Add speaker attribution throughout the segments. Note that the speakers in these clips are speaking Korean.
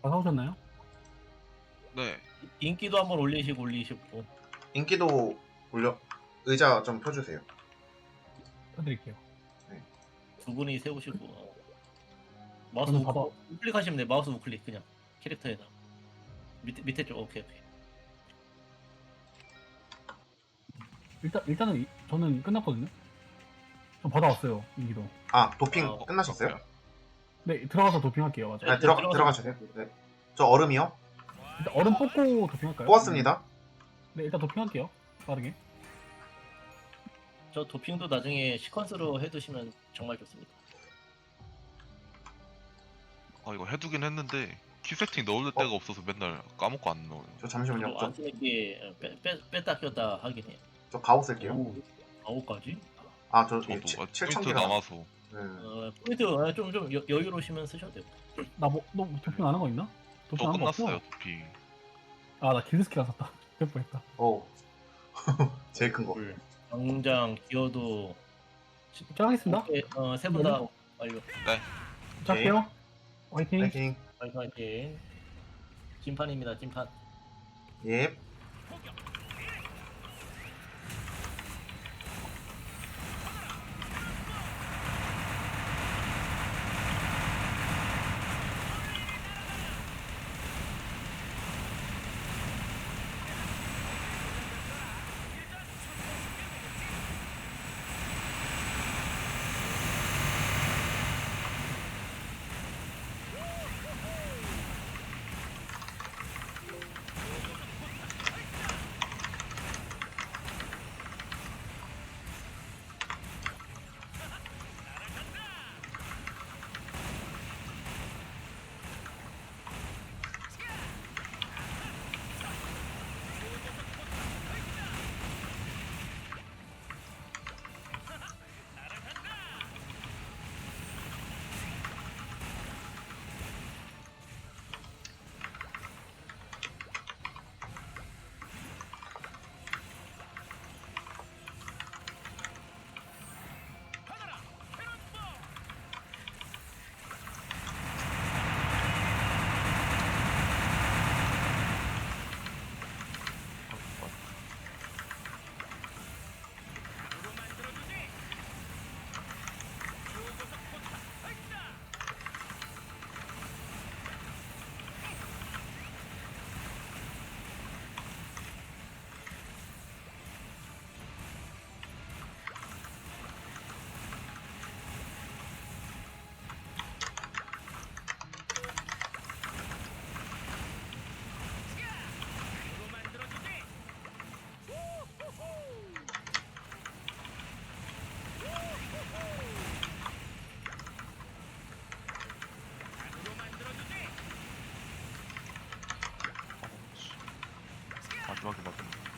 Speaker 1: 다 사오셨나요?
Speaker 2: 네.
Speaker 3: 인기도 한번 올리시고
Speaker 4: 인기도 올려. 의자 좀 펴주세요.
Speaker 1: 해드릴게요.
Speaker 3: 두 분이 세우시고 마우스
Speaker 1: 저는 봐봐.
Speaker 3: 우클릭하시면 돼요. 마우스 우클릭 그냥 캐릭터에다 밑에 쪽 오케이.
Speaker 1: 일단은 저는 끝났거든요. 좀 받아왔어요. 인기도.
Speaker 4: 아 도핑
Speaker 3: 어,
Speaker 4: 끝나셨어요?
Speaker 1: 네, 들어가서 도핑할게요. 맞아.
Speaker 4: 네,
Speaker 3: 들어가서
Speaker 4: 들어가셔야 돼요. 네. 저 얼음이요?
Speaker 1: 일단 얼음 뽑고 도핑할까요?
Speaker 4: 뽑았습니다.
Speaker 1: 네, 일단 도핑할게요. 빠르게.
Speaker 3: 저 도핑도 나중에 시퀀스로 해두시면 정말 좋습니다.
Speaker 2: 아 이거 해두긴 했는데 키 세팅 넣을 데가 없어서 맨날 까먹고 안 넣어요.
Speaker 4: 저 잠시만요.
Speaker 3: 안 쓰는 게 뺐다 꼈다 하긴 해요.
Speaker 4: 저 가오 쓸게요.
Speaker 3: 오, 9까지?
Speaker 4: 아저
Speaker 2: 저도
Speaker 4: 7,000개
Speaker 2: 포인트 남아서.
Speaker 4: 네.
Speaker 3: 포인트 좀 여유로우시면 쓰셔도 돼요.
Speaker 1: 너 도핑 안 한 거 있나? 도핑
Speaker 2: 저
Speaker 1: 안 한 거 없어?
Speaker 2: 끝났어요 도핑.
Speaker 1: 아, 나 길드스킬 안 샀다. 될 뻔했다.
Speaker 4: 오. 제일 큰 거.
Speaker 3: 당장 기어도
Speaker 1: 시작하겠습니다.
Speaker 3: 세 분 다 완료.
Speaker 1: 시작할게요. 화이팅.
Speaker 4: 파이팅.
Speaker 3: 화이팅. 찐판입니다. 찐판.
Speaker 4: 예.
Speaker 2: 마지막에 맞은.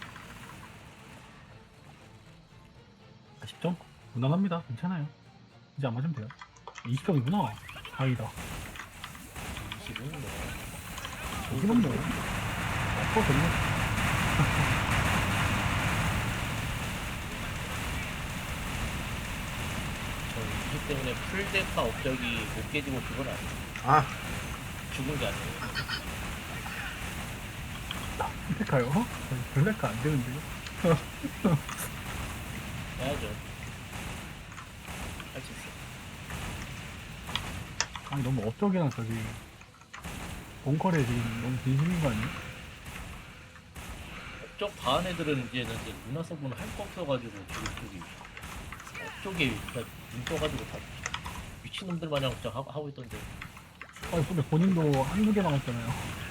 Speaker 1: 40점? 무난합니다. 괜찮아요. 이제 안 맞으면 돼요. 20점이구나. 다행이다.
Speaker 3: 지금 뭐
Speaker 1: 여기는 뭐. 아까 되는
Speaker 3: 저 이기 때문에 풀데카 업적이 못 깨지고 그건 아니에요.
Speaker 4: 아
Speaker 3: 죽은 게 아니에요.
Speaker 1: 선택할까요? 별레카 안 되는데요?
Speaker 3: 해야죠. 할 수 있어.
Speaker 1: 아니, 너무 업적이랑 저기. 본컬에 지금 너무 진심인 거 아니에요?
Speaker 3: 업적 반 애들은 이제는 문화 서브는 할 거 없어가지고 저기 업적에 눈 떠가지고 다 미친놈들 마냥 그냥 하고 있던데.
Speaker 1: 아니, 근데 본인도 한두 개만 했잖아요.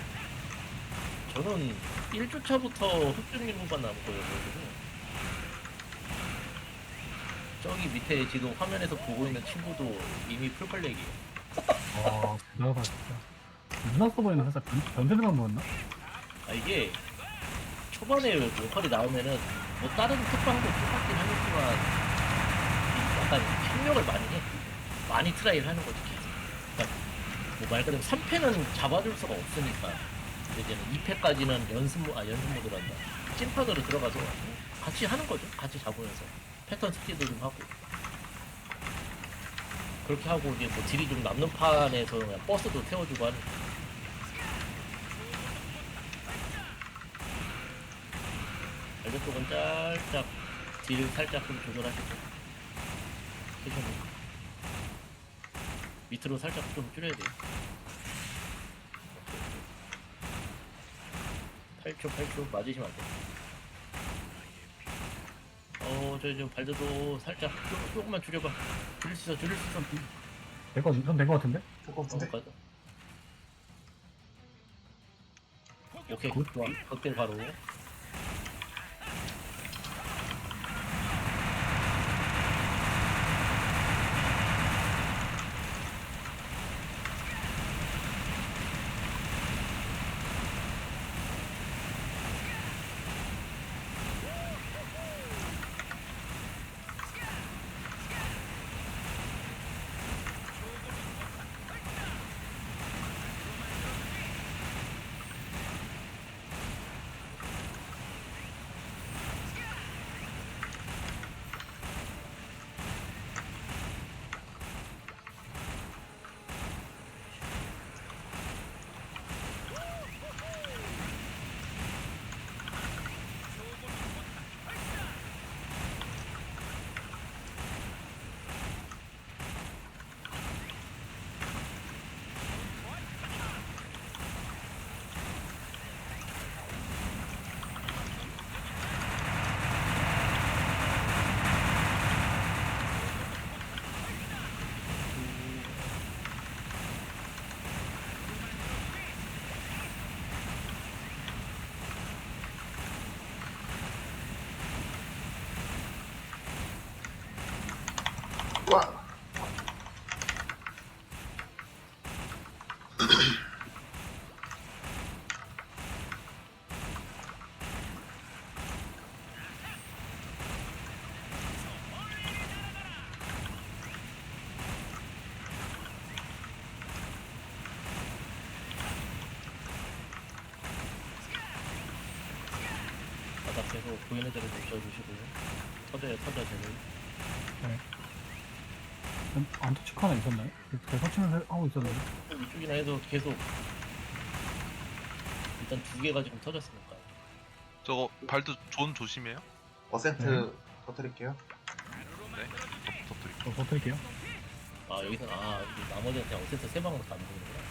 Speaker 3: 저는 1주차부터 흑준님만 남은 거예요. 그래서 저기 밑에 지금 화면에서 보고 있는 친구도 이미 풀컬렉이에요.
Speaker 1: 와, 대단하다, 진짜. 누나 서버에는 살짝 변태들만 모았나?
Speaker 3: 아 이게 초반에 로컬이 나오면은 뭐 다른 특방도 똑같긴 하겠지만 약간 협력을 많이 해. 많이 트라이를 하는 거지. 그러니까 뭐 말 그대로 3패는 잡아줄 수가 없으니까 이제는 2패까지는 연습 모드란다. 찐판으로 들어가서 같이 하는 거죠. 같이 잡으면서 패턴 스키도 좀 하고 그렇게 하고 이제 뭐 딜이 좀 남는 판에서 그냥 버스도 태워주고 하는. 오른쪽은 살짝 딜 살짝 좀 조절하시고 캐셔는 밑으로 살짝 좀 줄여야 돼요. 8초 맞으시면 안 돼요. 저 발드도 살짝 조금만 줄여봐. 줄일 수 있어.
Speaker 1: 된거 같은데?
Speaker 4: 조금 근데
Speaker 3: 가자. 오케이,
Speaker 1: 굿.
Speaker 3: 좋아. 극딜 바로.
Speaker 4: 와
Speaker 3: 바닥 계속 보이는 대로 붙여주시고 터져요 쟤는.
Speaker 1: 안터치크 하나 있었나요? 제가 설치는 하고 있었는데.
Speaker 3: 이쪽이나 해도 계속 일단 2개가 지금 터졌으니까.
Speaker 2: 저거 발도 존 조심해요.
Speaker 4: 어센트 터뜨릴게요.
Speaker 2: 네. 터뜨릴게요.
Speaker 1: 터뜨릴게요.
Speaker 3: 여기서 이 나머지한테 어센트 3방으로 다 누르는구나.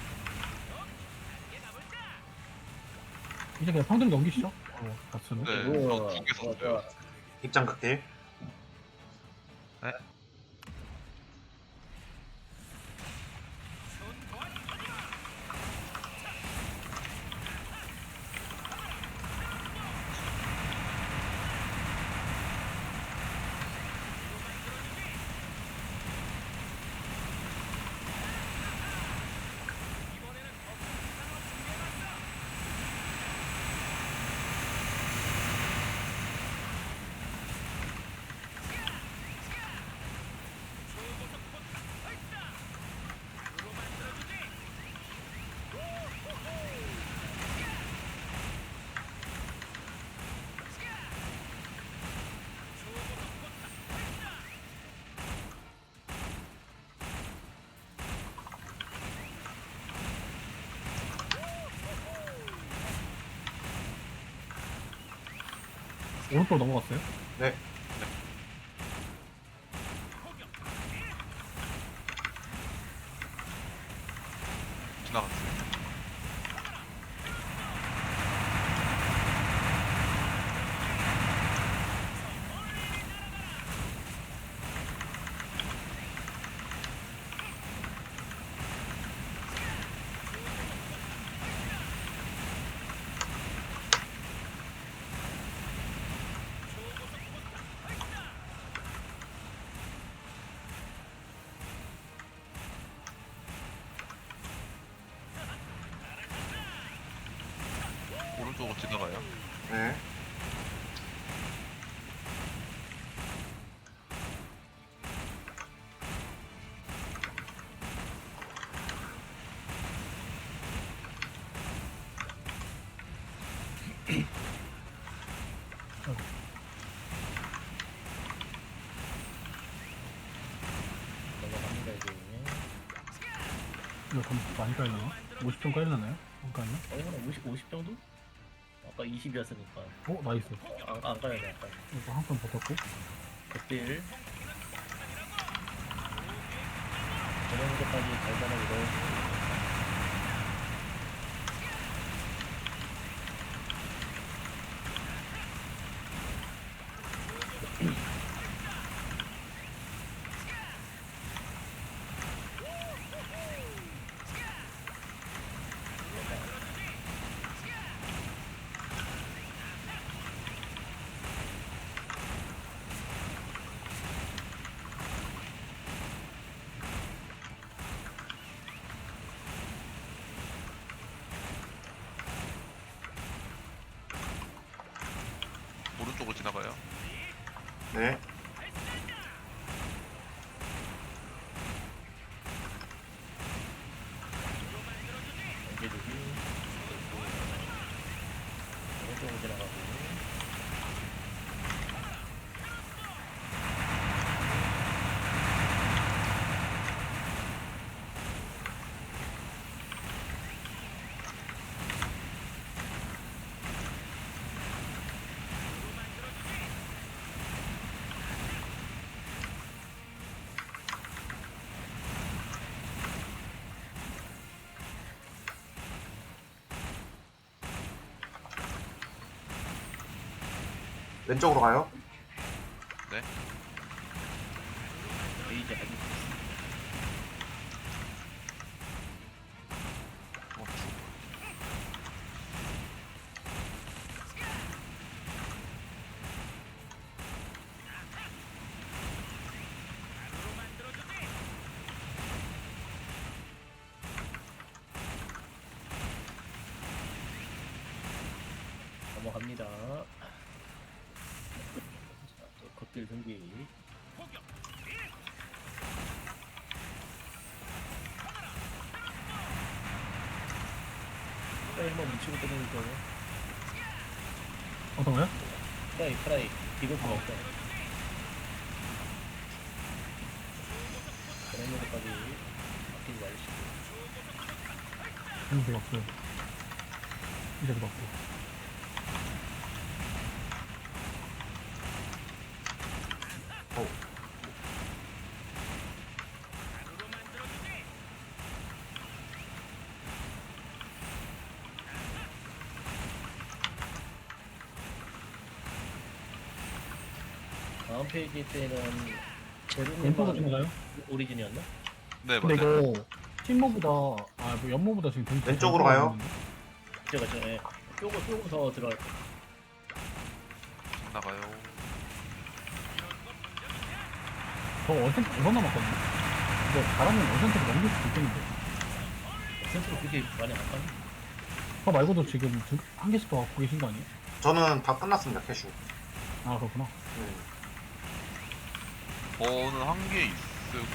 Speaker 1: 이제 그냥 평등 넘기시죠. 가스는.
Speaker 2: 네.
Speaker 3: 우와,
Speaker 2: 저 2개
Speaker 3: 좋아,
Speaker 2: 썼어요.
Speaker 3: 좋아.
Speaker 4: 입장 극딜.
Speaker 1: 오른쪽 넘어갔어요.
Speaker 4: 네.
Speaker 2: 지나갔어요. 오른쪽으로 지나가요.
Speaker 4: 네.
Speaker 3: 넘어갑니다 이제.
Speaker 1: 이거 좀 많이 깔려나? 50점 깔려나요? 안 깔려?
Speaker 3: 한 50 정도? 아까 20이었으니까
Speaker 1: 나이스.
Speaker 3: 안 가야 돼. 아까
Speaker 1: 이거 한 번 버텼고.
Speaker 3: 극딜 저녁까지 달달하게 넣어주고
Speaker 2: 오른쪽으로 지나가요.
Speaker 4: 네.
Speaker 3: 연계주기 오른쪽으로 지나가고
Speaker 4: 왼쪽으로 가요.
Speaker 3: 베이지 아직
Speaker 2: 죽어.
Speaker 3: 넘어갑니다. 자, 또 극딜 등기 프라이만 묻히고 끊는 거예요.
Speaker 1: 어떤 거요?
Speaker 3: 프라이 디버프가 없다. 그런 것까지 아끼지 말으시고
Speaker 1: 별로 없어요. 이제도 맞고.
Speaker 3: 다음 페이지 때는
Speaker 1: 왼쪽으로
Speaker 3: 제로님만
Speaker 1: 지나가요?
Speaker 3: 오리진이었나?
Speaker 2: 네
Speaker 1: 근데
Speaker 2: 맞아요.
Speaker 1: 이거 팀모보다 연모보다 지금 되게
Speaker 4: 왼쪽으로 가요.
Speaker 3: 제가 조금 더 들어갈 거.
Speaker 2: 나가요.
Speaker 1: 저 어센트 5번 남았거든요. 이거 잘하면 어센트로 넘길 수도 있겠는데.
Speaker 3: 센스로 그렇게 많이 안 가니?
Speaker 1: 저 말고도 지금 한 개씩 더 갖고 계신 거 아니에요?
Speaker 4: 저는 다 끝났습니다. 캐슈.
Speaker 1: 아 그렇구나.
Speaker 4: 네.
Speaker 2: 저는 한 개 있어요.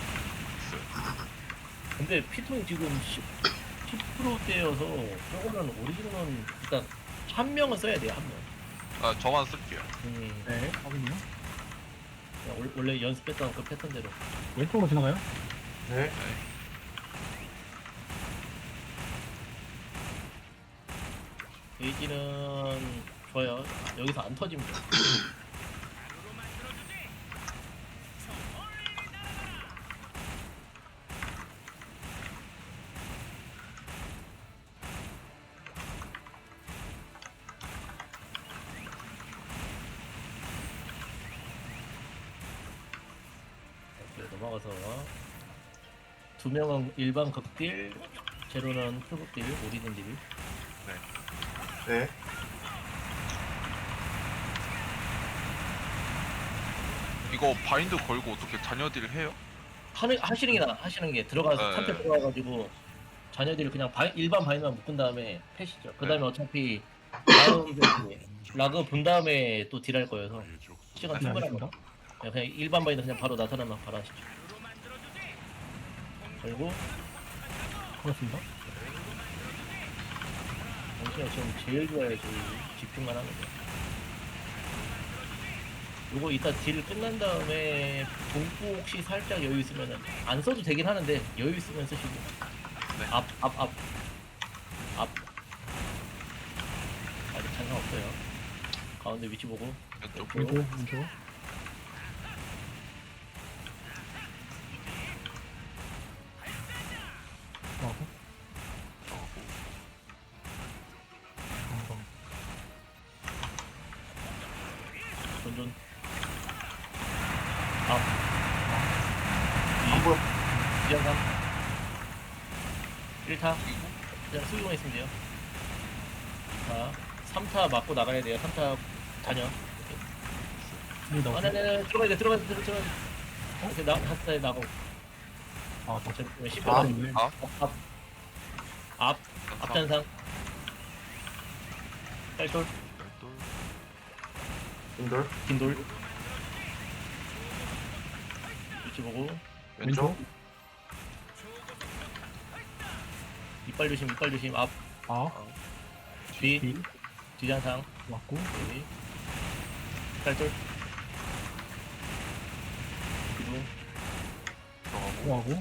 Speaker 3: 근데 피통이 지금 10%대여서 조금은 오리진은 일단 한 명은 써야 돼요, 한 명.
Speaker 2: 아 저만 쓸게요.
Speaker 1: 네, 확인이요.
Speaker 3: 그냥 원래 연습했던 그 패턴대로.
Speaker 1: 왼쪽으로 지나가요?
Speaker 4: 네.
Speaker 3: 게이지는 좋아요. 여기서 안 터지면 돼요. 이렇게 넘어가서 두 명은 일반 극딜, 제로는 풀극딜, 오리진 딜.
Speaker 4: 네.
Speaker 2: 이거 바인드 걸고 어떻게 자녀딜 해요?
Speaker 3: 하시는 게 들어가서
Speaker 2: 네.
Speaker 3: 탐패 들어가가지고 자녀들이 그냥 일반 바인드만 묶은 다음에 패시죠. 그 다음에 어차피 다음 라그 본 다음에 또 딜할 거여서 시간
Speaker 1: 네,
Speaker 3: 충분한
Speaker 1: 알겠습니다.
Speaker 3: 거. 그냥 일반 바인드 그냥 바로 나타나면 바로 하시죠. 그리고
Speaker 1: 그렇습니다.
Speaker 3: 당신이 지금 제일 좋아야지 집중만 하면 돼. 요거 이따 딜 끝난 다음에 동부 혹시 살짝 여유 있으면은 안 써도 되긴 하는데 여유 있으면 쓰시고.
Speaker 2: 네.
Speaker 3: 앞. 아직 장난 없어. 없어요. 가운데 위치 보고
Speaker 2: 왼쪽.
Speaker 1: 왼쪽, 왼쪽. 하고,
Speaker 2: 들어가고.
Speaker 1: 한번.
Speaker 3: 존존 앞
Speaker 4: 안 보여.
Speaker 3: 2장 3 1타 그냥 수비만 있으면 돼요. 2타 3타 맞고 나가야 돼요. 3타 다녀.
Speaker 1: 네, 나
Speaker 3: 네네 들어가야 돼. 오케이 한타에 나가고
Speaker 1: 아, 저
Speaker 3: 어차피 10분
Speaker 4: 아.
Speaker 1: 있네.
Speaker 3: 앞 앞전상 딸돌
Speaker 2: 왼돌.
Speaker 4: 인돌.
Speaker 3: 긴돌 위치 보고
Speaker 4: 왼쪽.
Speaker 3: 이빨 조심 앞
Speaker 1: 아,
Speaker 3: 뒤
Speaker 1: 뒤,
Speaker 3: 뒤장상
Speaker 1: 맞고,
Speaker 3: 여기 딸돌 기둥
Speaker 2: 들어가고.
Speaker 1: 들어가고.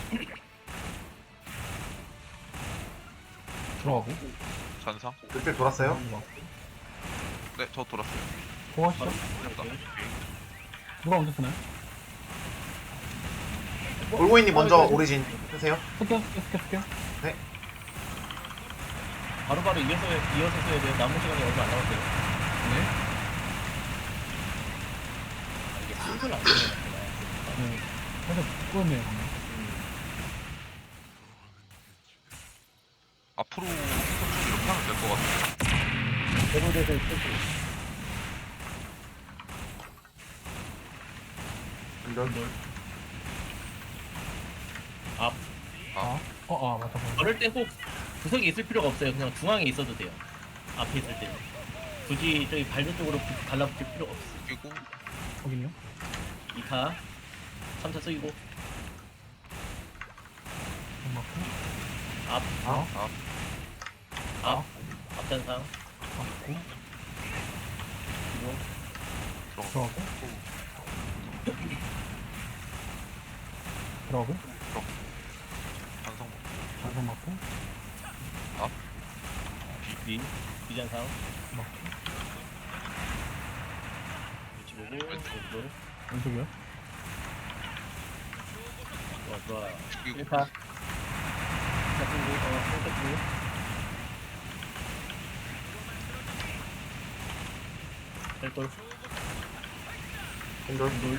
Speaker 1: 들어가고.
Speaker 2: 잔상.
Speaker 4: 그때 돌았어요.
Speaker 1: 맞고.
Speaker 2: 네, 저 돌았어요.
Speaker 1: 고하시죠?
Speaker 2: 됐다.
Speaker 3: 오케이.
Speaker 1: 누가 먼저 쓰나요?
Speaker 4: 올고인님 먼저 오리진 쓰세요.
Speaker 1: 쓸게요.
Speaker 3: 바로바로 이어서 써야 돼요. 남은 시간이 얼마 안 남았어요.
Speaker 1: 네.
Speaker 3: 이게 순서를 안 되는
Speaker 1: 네. 살짝 부끄럽네요, 방금.
Speaker 2: 앞으로 쭉 이렇게 하면 될 것 같아요.
Speaker 3: 대부대에서 쓸수
Speaker 4: 인돌.
Speaker 3: 앞
Speaker 1: 맞다.
Speaker 3: 그럴 땐 꼭 구석에 있을 필요가 없어요. 그냥 중앙에 있어도 돼요. 앞에 있을 때는 굳이 저기 발대 쪽으로 달라붙을 필요가 없어.
Speaker 2: 끼고.
Speaker 1: 확인요.
Speaker 3: 2타 3타 쓰이고
Speaker 1: 맞고,
Speaker 3: 앞
Speaker 1: 아,
Speaker 3: 앞전상
Speaker 1: 맞고,
Speaker 3: 기둥
Speaker 1: 들어가고, 들어가고,
Speaker 2: 잔상.
Speaker 1: 장선 맞고,
Speaker 3: 뒤장상
Speaker 1: 맞고,
Speaker 3: 위치 보고 왼쪽
Speaker 1: 왼쪽이요.
Speaker 3: 좋아
Speaker 2: 끼고.
Speaker 3: 1타 1타 쓰고 1타 쓰고 별돌
Speaker 4: 인돌.
Speaker 3: 돌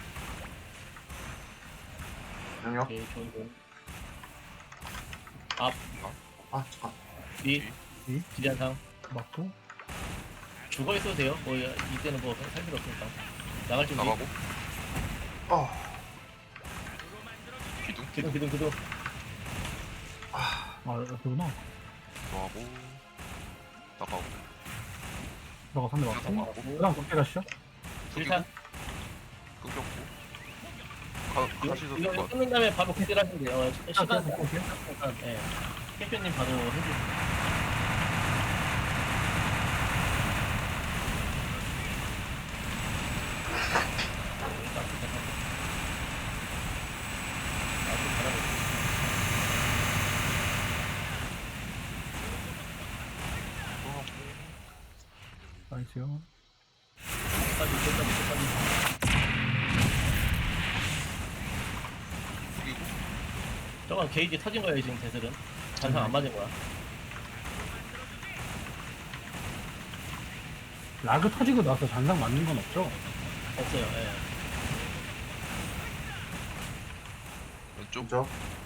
Speaker 4: 영역.
Speaker 3: 오케이 좋은 공 앞
Speaker 4: 아 잠깐.
Speaker 3: 뒤
Speaker 1: 뒤.
Speaker 3: 뒤장상
Speaker 1: 맞고,
Speaker 3: 죽어 있어도 돼요. 뭐 이때는 뭐 살 필요 없으니까 나갈 준비.
Speaker 2: 나가고. 기둥.
Speaker 3: 기둥.
Speaker 1: 아, 여기구나.
Speaker 2: 들어가고. 나가고.
Speaker 1: 들어가, 상대 맞고.
Speaker 2: 나가고.
Speaker 1: 그 다음 어떻게 가시죠?
Speaker 2: 숙이고.
Speaker 3: 1타
Speaker 2: 끊겼고. 가시죠.
Speaker 3: 이거 끝난 다음에 바로 그때 하시면 돼요. 시간
Speaker 1: 볼게요.
Speaker 3: 예. 캠프님 바로 해주세요.
Speaker 1: 나이스요.
Speaker 2: 숙이고.
Speaker 3: 저건 게이지 터진 거예요 지금 대슬은. 잔상 안 맞은 거야.
Speaker 1: 라그 터지고 나서 잔상 맞는 건 없죠?
Speaker 3: 없어요. 예.
Speaker 2: 왼쪽.
Speaker 4: 왼쪽.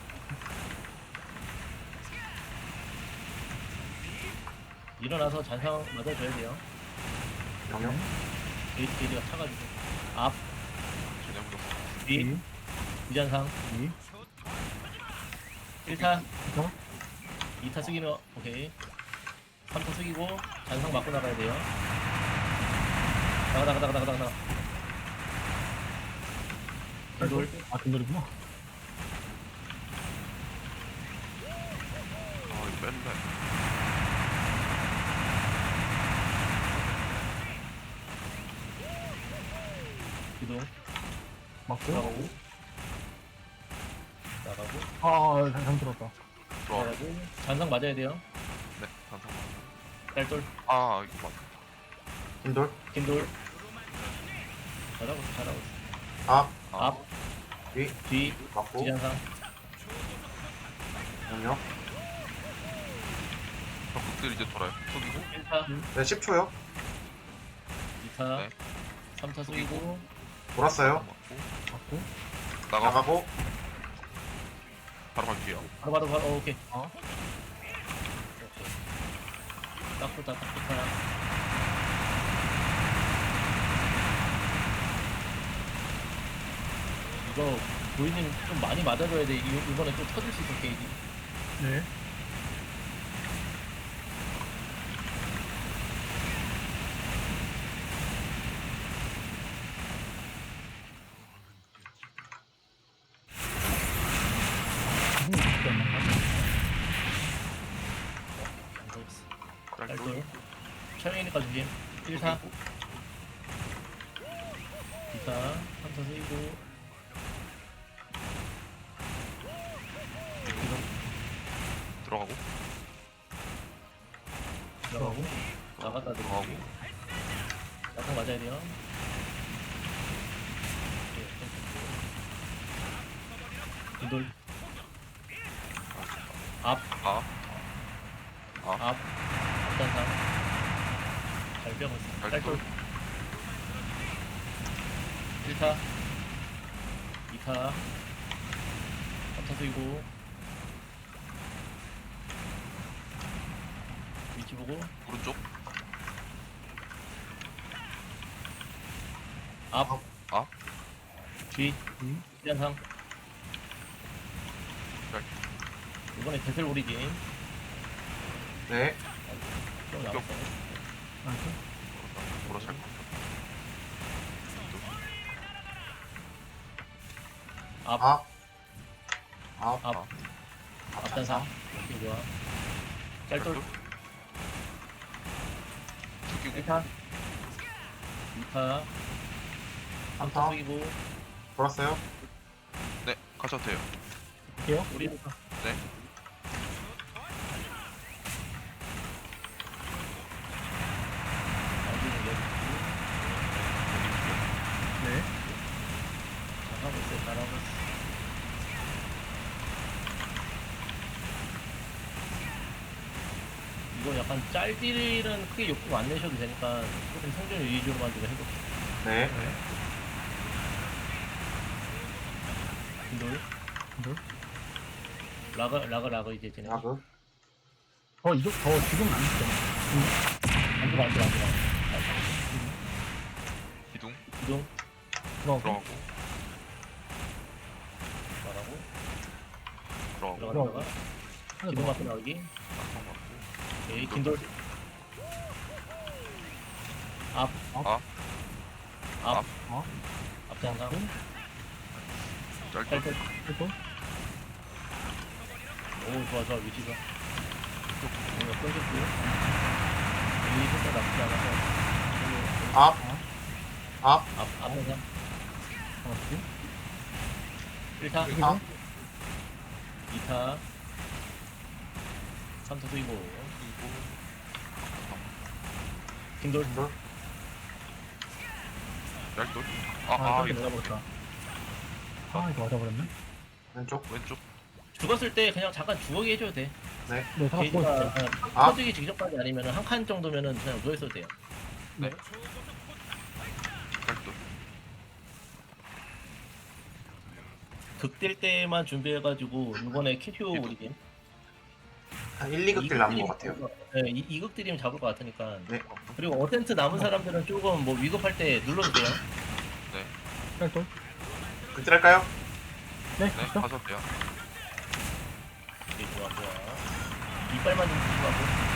Speaker 3: 일어나서 잔상 맞아줘야 돼요.
Speaker 4: 영역.
Speaker 3: 게이지가 차가지고. 앞,
Speaker 2: 전혀 묻었어.
Speaker 3: 뒤, 뒤잔상.
Speaker 1: 이.
Speaker 3: 1타,
Speaker 1: 그쵸?
Speaker 3: 2타 숙이면 오케이. 3타 숙이고 잔상 맞고 나가야 돼요. 나가. 돌.
Speaker 1: 아, 근돌이구나.
Speaker 2: 아, 이거 뺄래.
Speaker 3: 기둥
Speaker 1: 맞고.
Speaker 3: 나가고
Speaker 1: 잘못 들었다.
Speaker 2: 들어가고.
Speaker 3: 나가고 잔상 맞아야 돼요.
Speaker 2: 네, 잔상.
Speaker 3: 딸돌
Speaker 2: 아 이거 맞.
Speaker 4: 흰돌.
Speaker 3: 긴 돌. 잘하고 있어, 잘하고 있어.
Speaker 4: 앞.
Speaker 2: 아,
Speaker 3: 앞
Speaker 4: 뒤.
Speaker 3: 뒤
Speaker 4: 맞고.
Speaker 3: 지jan상
Speaker 4: 영역.
Speaker 2: 적극들 이제 돌아요. 속이고
Speaker 3: 1타
Speaker 4: 네, 10초요.
Speaker 3: 2타
Speaker 2: 네.
Speaker 3: 3타 숙이고
Speaker 4: 돌았어요.
Speaker 2: 맞고
Speaker 1: 받고.
Speaker 2: 나가
Speaker 4: 나가고.
Speaker 2: 바로 갈게요.
Speaker 3: 바로 오케이.
Speaker 1: 어.
Speaker 3: 오케이. 딱 좋다 딱 좋다. 이거 보이님 좀 많이 맞아줘야 돼. 이번에 또 터질 수 있어 게이지.
Speaker 1: 네.
Speaker 3: 안 보였어.
Speaker 2: 딸돌.
Speaker 3: 딸돌. 촬영이니까 조심. 1타 2타 3타 세이고
Speaker 2: 들어가고
Speaker 3: 들어가고 나갔다 들어가고
Speaker 2: 들어가고
Speaker 3: 약간 맞아야 돼요. 이돌 앞
Speaker 2: 아
Speaker 3: 앞단상 잘 빼고 있어.
Speaker 2: 딸돌.
Speaker 3: 딸돌 1타 2타 3타 쓰이고 위치 보고
Speaker 2: 오른쪽
Speaker 3: 앞
Speaker 2: 앞.
Speaker 3: 뒤 시간상
Speaker 2: 딸.
Speaker 3: 이번에 대슬 오리진
Speaker 4: 네.
Speaker 3: 좀 남았어.
Speaker 2: 돌아 잘.
Speaker 3: 앞
Speaker 4: 앞. 앞.
Speaker 3: 앞 앞단상 오케이 좋아. 짤돌
Speaker 2: 죽이고
Speaker 3: 1타 2타 3타
Speaker 4: 3타.
Speaker 3: 숙이고
Speaker 4: 돌았어요.
Speaker 2: 네 가셔도 돼요.
Speaker 1: 할게요.
Speaker 3: 우리
Speaker 2: 네.
Speaker 1: 네.
Speaker 3: 잘하고 있어 잘하고 있어. 이거 약간 짤딜은 크게 욕구 안 내셔도 되니까 조금 생존 위주로만 좀 해볼게요.
Speaker 4: 네.
Speaker 3: 빈돌
Speaker 1: 빈돌.
Speaker 3: 라그 이제 쟤네
Speaker 4: 라그.
Speaker 1: 이거 지금은 안 됐잖아.
Speaker 3: 안 들어
Speaker 2: 기둥
Speaker 3: 이동
Speaker 1: 들어가고.
Speaker 2: 들어가고
Speaker 3: 말하고
Speaker 2: 들어가고
Speaker 3: 들어가다가
Speaker 1: 하나
Speaker 3: 기동
Speaker 1: 더.
Speaker 3: 앞에 나오기
Speaker 2: 낙성 맞고
Speaker 3: 오케이 긴돌 앞
Speaker 2: 앞.
Speaker 3: 앞장상
Speaker 2: 짧게
Speaker 3: 딸딸
Speaker 1: 또.
Speaker 3: 오 좋아 위치가 뭔가 끊겼고 이 색깔 나쁘지 않아서
Speaker 4: 앞. 앞.
Speaker 3: 앞장상
Speaker 1: 하나씩.
Speaker 3: 1타
Speaker 4: 앞.
Speaker 3: 2타 3타 쓰이고
Speaker 2: 그리고
Speaker 3: 긴돌
Speaker 4: 흰돌.
Speaker 2: 짤돌.
Speaker 1: 아,
Speaker 2: 이거
Speaker 1: 맞아버렸다. 이거 맞아버렸네.
Speaker 4: 왼쪽.
Speaker 2: 왼쪽
Speaker 3: 죽었을 때 그냥 잠깐 주워기 해줘도 돼.
Speaker 1: 네, 잠깐
Speaker 3: 게이지가
Speaker 1: 보여줄게요.
Speaker 4: 아.
Speaker 3: 터지기 직전까지 아니면 한 칸 정도면은 그냥 누워있어도 돼요.
Speaker 2: 짤돌.
Speaker 3: 극딜 때만 준비해가지고 이번에 캐쇼 오리진
Speaker 4: 한 1, 2극딜 남은 것 같아요.
Speaker 3: 네, 이극딜이면 잡을 것 같으니까.
Speaker 4: 네.
Speaker 3: 그리고 어텐트 남은 사람들은 조금 뭐 위급할 때 눌러도 돼요.
Speaker 1: 딸돌.
Speaker 4: 극딜 할까요?
Speaker 1: 네,
Speaker 2: 네
Speaker 1: 됐어.
Speaker 2: 가셔도 돼요.
Speaker 3: 오케이, 좋아. 이빨만 좀 조심하고.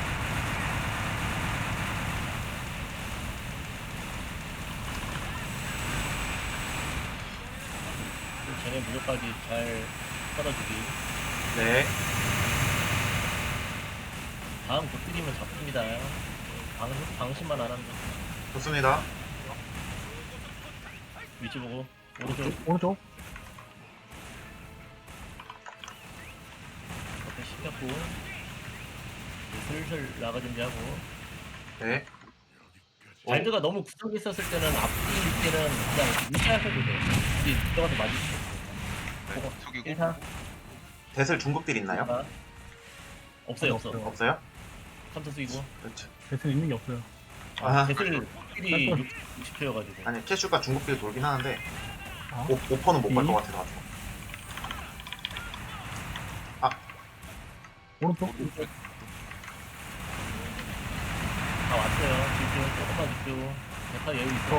Speaker 3: 그리고 쟤네 무력까지 잘 썰어주기.
Speaker 4: 네.
Speaker 3: 다음 극딜이면 잡힙니다. 방심만 안 하면 돼.
Speaker 4: 좋습니다.
Speaker 3: 위치 보고 오른쪽
Speaker 1: 오른쪽.
Speaker 3: 앞에 신겼고 슬슬 나가 준비하고.
Speaker 4: 네.
Speaker 3: 발드가 너무 구석에 있었을 때는 앞뒤일 때는 그냥 무시하셔도 돼. 우리 들어가서 맞을 수 있어.
Speaker 2: 네, 숙이고
Speaker 3: 1사.
Speaker 4: 대슬 중국딜 있나요?
Speaker 3: 없어요,
Speaker 1: 없어요.
Speaker 3: 없어.
Speaker 4: 없어요?
Speaker 3: 컴퓨터 쓰이고.
Speaker 4: 그렇죠.
Speaker 1: 배틀 있는 게 없어요.
Speaker 4: 아,
Speaker 3: 대슬 필이 60초여가지고.
Speaker 4: 아니 캐슈가 중국딜 돌긴 하는데
Speaker 1: 아,
Speaker 4: 오퍼는 못 갈 것 같아가지고.
Speaker 1: 오른쪽?
Speaker 3: 다 왔어요. 집중, 조금만 집중. 대파 여유 있어.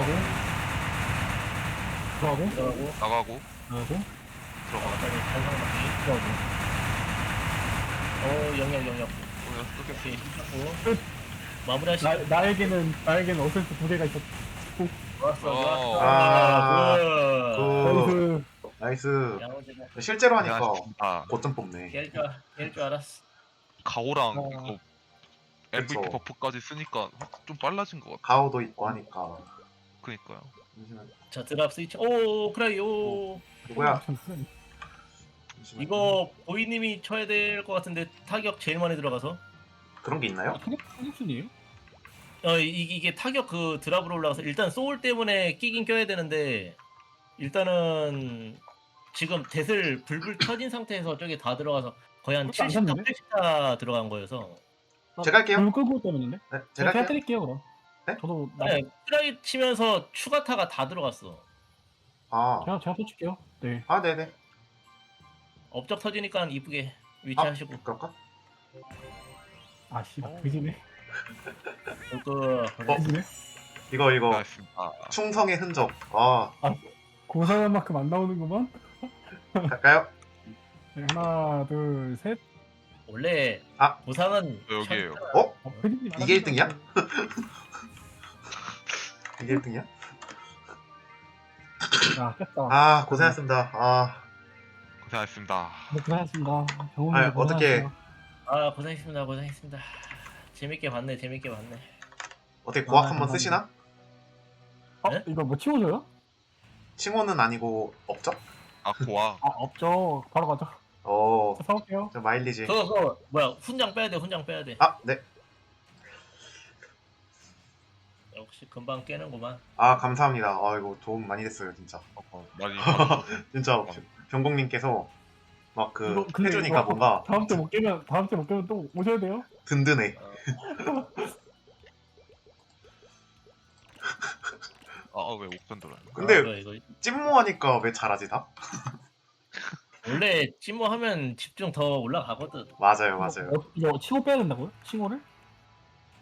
Speaker 1: 들어가고,
Speaker 3: 들어가고.
Speaker 2: 나가고
Speaker 1: 나가고,
Speaker 2: 들어가.
Speaker 3: 빨리 단상 맞기.
Speaker 1: 들어가고.
Speaker 3: 영역.
Speaker 2: 끄게.
Speaker 3: 오케이, 힘받고. 마무리하시고.
Speaker 1: 나에게는 어센트 두 개가 있었.
Speaker 3: 좋았어.
Speaker 4: 아,
Speaker 3: 굿.
Speaker 4: 나이스.
Speaker 3: 야무지네.
Speaker 4: 실제로 하니까
Speaker 2: 아
Speaker 4: 고점 뽑네.
Speaker 3: 깰 줄 알았어.
Speaker 2: 가오랑
Speaker 1: 어.
Speaker 2: 이거 MVP
Speaker 4: 그쵸.
Speaker 2: 버프까지 쓰니까 좀 빨라진 것 같아.
Speaker 4: 가오도 있고 하니까.
Speaker 2: 그니까요.
Speaker 4: 잠시만.
Speaker 3: 자, 드랍 스위치. 오, 크라이, 오.
Speaker 4: 누구야?
Speaker 1: 잠시만요.
Speaker 4: 잠시만.
Speaker 3: 이거 보이님이 쳐야 될 것 같은데 타격 제일 많이 들어가서.
Speaker 4: 그런 게 있나요?
Speaker 1: 타격순이에요?
Speaker 3: 이게 타격 그 드랍으로 올라가서 일단 소울 때문에 끼긴 껴야 되는데 일단은 지금 뎃을 불불 켜진 상태에서 저게 다 들어가서 거의 한
Speaker 1: 그것도 안
Speaker 3: 70타,
Speaker 1: 샀는데?
Speaker 3: 80타 들어간 거여서
Speaker 4: 제가 할게요.
Speaker 1: 불 끄고 때문에.
Speaker 4: 네, 제가
Speaker 1: 제가
Speaker 4: 할게요.
Speaker 1: 해드릴게요 그럼.
Speaker 4: 네?
Speaker 1: 저도
Speaker 3: 네, 트라이 치면서 추가타가 다 들어갔어.
Speaker 4: 아,
Speaker 1: 제가 해줄게요. 네.
Speaker 4: 아, 네네.
Speaker 3: 업적 터지니까 이쁘게 위치하시고.
Speaker 4: 그럴까?
Speaker 1: 아 씨발 그지네.
Speaker 3: 그
Speaker 1: 그지네.
Speaker 4: 이거
Speaker 2: 고맙습니다.
Speaker 4: 충성의 흔적. 아,
Speaker 1: 고사한 만큼 안 나오는구만.
Speaker 4: 갈까요?
Speaker 1: 네, 하나, 둘, 셋.
Speaker 3: 원래
Speaker 4: 아.
Speaker 3: 보상은
Speaker 2: 여기에요.
Speaker 4: 어?
Speaker 1: 그지님
Speaker 4: 이게 1등이야? 이게 1등이야?
Speaker 1: 야 깼다.
Speaker 4: 아, 고생하셨습니다. 아,
Speaker 2: 고생하셨습니다.
Speaker 1: 네, 고생하셨습니다. 병원에
Speaker 4: 아니, 어떻게-
Speaker 3: 고생했습니다. 재밌게 봤네.
Speaker 4: 어떻게 고학
Speaker 1: 아,
Speaker 4: 한번
Speaker 1: 감사합니다.
Speaker 4: 쓰시나?
Speaker 3: 네?
Speaker 1: 이거 뭐 치워줘요?
Speaker 4: 칭호는 아니고 업적?
Speaker 2: 아 고아.
Speaker 1: 아 없죠. 바로 가죠. 저 사올게요.
Speaker 4: 저 마일리지.
Speaker 3: 그거 뭐야? 훈장 빼야 돼.
Speaker 4: 아, 네.
Speaker 3: 역시 금방 깨는구만.
Speaker 4: 아, 감사합니다. 아, 이거 도움 많이 됐어요, 진짜.
Speaker 2: 많이
Speaker 4: 진짜 병공님께서 막
Speaker 1: 이거 근데
Speaker 4: 해주니까
Speaker 1: 이거
Speaker 4: 뭔가
Speaker 1: 다음 주에 못 깨면 또 오셔야 돼요.
Speaker 4: 든든해.
Speaker 2: 왜 옥변 들어요?
Speaker 4: 근데
Speaker 3: 이거
Speaker 4: 찜모하니까 왜 잘하지 다?
Speaker 3: 원래 찜모하면 집중 더 올라가거든.
Speaker 4: 맞아요.
Speaker 1: 이거 치고 빼야 된다고요? 칭호를?